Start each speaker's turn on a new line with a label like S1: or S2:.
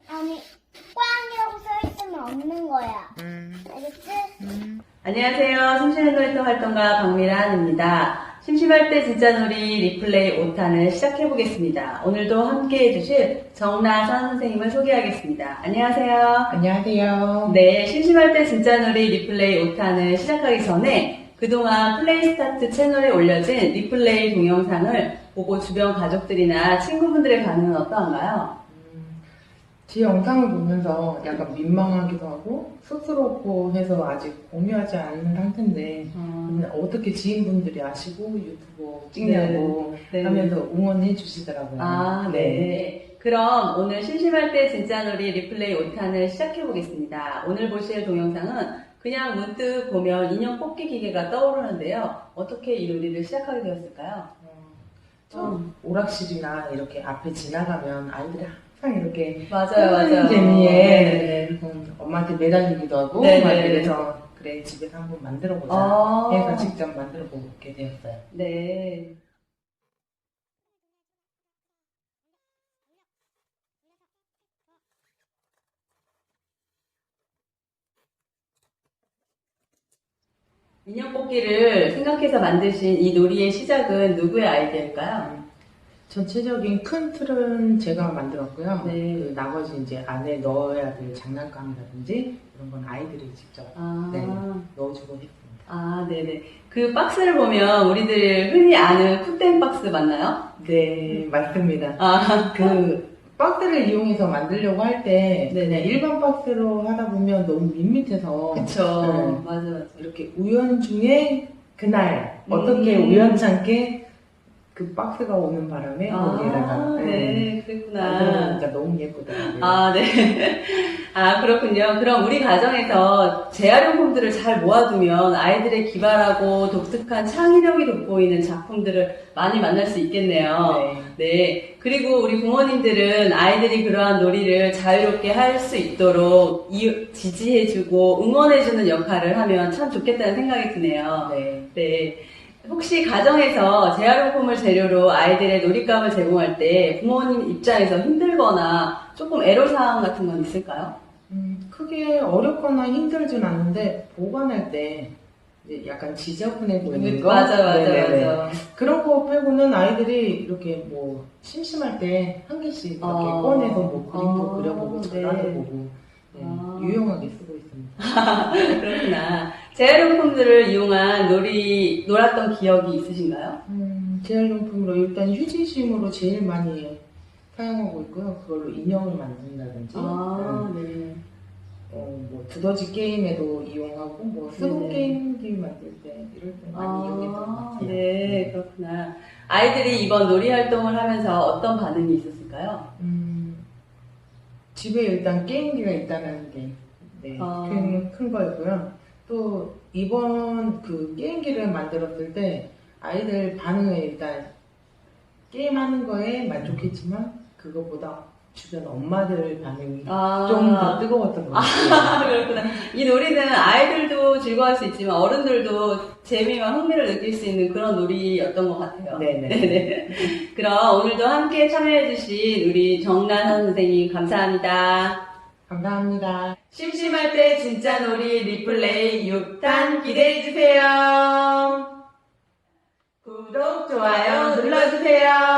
S1: 아니, 꽝이라고 써있으면 없는 거야. 알겠지?
S2: 안녕하세요. 심심한 놀이터 활동가 박미란입니다. 심심할 때 진짜 놀이 리플레이 5탄을 시작해보겠습니다. 오늘도 함께 해주실 정나선 선생님을 소개하겠습니다. 안녕하세요.
S3: 안녕하세요.
S2: 네, 심심할 때 진짜 놀이 리플레이 5탄을 시작하기 전에 그동안 플레이스타트 채널에 올려진 리플레이 동영상을 보고 주변 가족들이나 친구분들의 반응은 어떠한가요?
S3: 제 영상을 보면서 약간 민망하기도 하고 쑥스럽고 해서 아직 공유하지 않은 상태인데 어떻게 지인분들이 아시고 유튜브 찍냐고
S2: 네.
S3: 하면서 응원해 주시더라고요.
S2: 아, 네. 그럼 오늘 심심할 때 진짜 놀이 리플레이 5탄을 시작해보겠습니다. 오늘 보실 동영상은 그냥 문득 보면 인형 뽑기 기계가 떠오르는데요. 어떻게 이 놀이를 시작하게 되었을까요?
S3: 처음 오락실이나 이렇게 앞에 지나가면 아이들이 항상 이렇게
S2: 맞아요.
S3: 재미에
S2: 네.
S3: 엄마한테 매달리기도 하고
S2: 네,
S3: 막
S2: 네.
S3: 이래서 그래 집에서 한번 만들어보자
S2: 아.
S3: 해서 직접 만들어보게 되었어요.
S2: 네. 인형 뽑기를 생각해서 만드신 이 놀이의 시작은 누구의 아이디어일까요?
S3: 전체적인 큰 틀은 제가 만들었고요.
S2: 네.
S3: 그 나머지 이제 안에 넣어야 될 장난감이라든지 이런 건 아이들이 직접 넣어주고 했습니다.
S2: 아, 네네. 그 박스를 보면 우리들 흔히 아는 풋땡 박스 맞나요?
S3: 네, 맞습니다.
S2: 아,
S3: 그 박스를 이용해서 만들려고 할 때
S2: 네네.
S3: 그냥 일반 박스로 하다 보면 너무 밋밋해서
S2: 그쵸. 맞아.
S3: 이렇게 우연 중에 그날 어떻게 우연찮게 그 박스가 오는 바람에 거기에다가
S2: 네, 그랬구나.
S3: 만들어보니까 너무 예쁘더라고요.
S2: 아, 네. 아, 그렇군요. 그럼 우리 가정에서 재활용품들을 잘 모아두면 아이들의 기발하고 독특한 창의력이 돋보이는 작품들을 많이 만날 수 있겠네요. 네. 그리고 우리 부모님들은 아이들이 그러한 놀이를 자유롭게 할 수 있도록 지지해주고 응원해주는 역할을 하면 참 좋겠다는 생각이 드네요. 네. 혹시 가정에서 재활용품을 재료로 아이들의 놀잇감을 제공할 때 부모님 입장에서 힘들거나 조금 애로사항 같은 건 있을까요?
S3: 크게 어렵거나 힘들진 않는데 보관할 때 이제 약간 지저분해 보이는 거
S2: 맞아.
S3: 그런 거 빼고는 아이들이 이렇게 뭐 심심할 때 한 개씩 이렇게 꺼내서 뭐 그림도 그려보고 전화도 보고 유용하게 쓰고 있습니다.
S2: 그렇구나. 재활용품들을 이용한 놀았던 기억이 있으신가요?
S3: 재활용품으로 일단 휴지심으로 제일 많이 사용하고 있고요. 그걸로 인형을 만든다든지
S2: 네.
S3: 뭐 두더지 게임에도 이용하고 뭐 스무 게임기 만들 때 이럴 때 많이 이용했던 것 같아요.
S2: 네, 그렇구나. 아이들이 이번 놀이 활동을 하면서 어떤 반응이 있었을까요?
S3: 집에 일단 게임기가 있다는 게 큰 거였고요. 또 이번 그 게임기를 만들었을 때 아이들 반응은 일단 게임하는 거에 만족했지만 그것보다 주변 엄마들 반응이 좀 더 뜨거웠던 것 같아요.
S2: 그렇구나. 이 놀이는 아이들도 즐거워할 수 있지만 어른들도 재미와 흥미를 느낄 수 있는 그런 놀이였던 것 같아요. 네네. 그럼 오늘도 함께 참여해주신 우리 정나선 선생님 감사합니다.
S3: 감사합니다.
S2: 심심할 때 진짜 놀이 리플레이 6탄 기대해주세요. 구독, 좋아요 눌러주세요.